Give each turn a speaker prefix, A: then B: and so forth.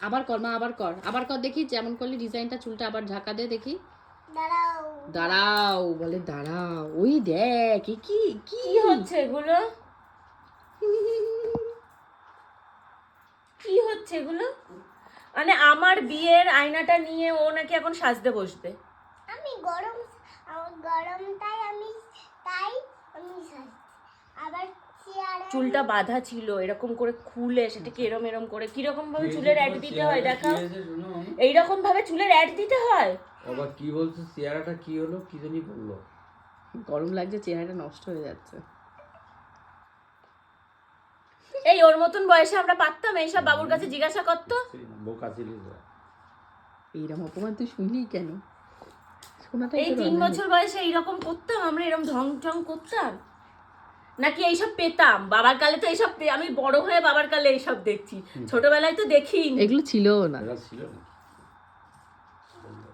A: আবার কর মা, আবার কর দেখি যেমন করলি ডিজাইনটা, চুলটা আবার ঝাঁকা দে দেখি। দাঁড়াও বলে দাঁড়াও, ওই দেখ কি
B: কি হচ্ছে এগুলো, কি হচ্ছে এগুলো? মানে আমার বিয়ের আয়নাটা নিয়ে ও নাকি এখন সাজতে বসবে।
C: আমি গরমটাই আমি সাজছি। আবার
B: চুলটা বাঁধা ছিল, এরকম করে খুলে সেটাকে এরম করে কিরকম ভাবে চুলের অ্যাড দিতে হয় দেখাও। এইরকম ভাবে চুলের অ্যাড দিতে হয়।
D: বাবা কি বলছো, চেহারাটা কি হলো, কি জানি বললো?
A: গরম লাগছে, চেহারাটা নষ্ট হয়ে যাচ্ছে।
B: এই ওর মতন বয়সে আমরা পারতাম এইসব? বাবুর কাছে জিজ্ঞাসা করতো।
D: বোকা ছিলিস।
A: এইরকম অপমান তুই শুনলি কেন?
B: এই 3 বছর বয়সে এইরকম করতাম আমরা, এরকম ঢং ঢং করতাম নাকি এইসব পেতাম? বাবার কালে তো এইসব আমি বড় হয়ে বাবার কালে এইসব দেখছি, ছোটবেলায় তো দেখিনি।
A: এগুলো ছিল না।
D: ছিল না।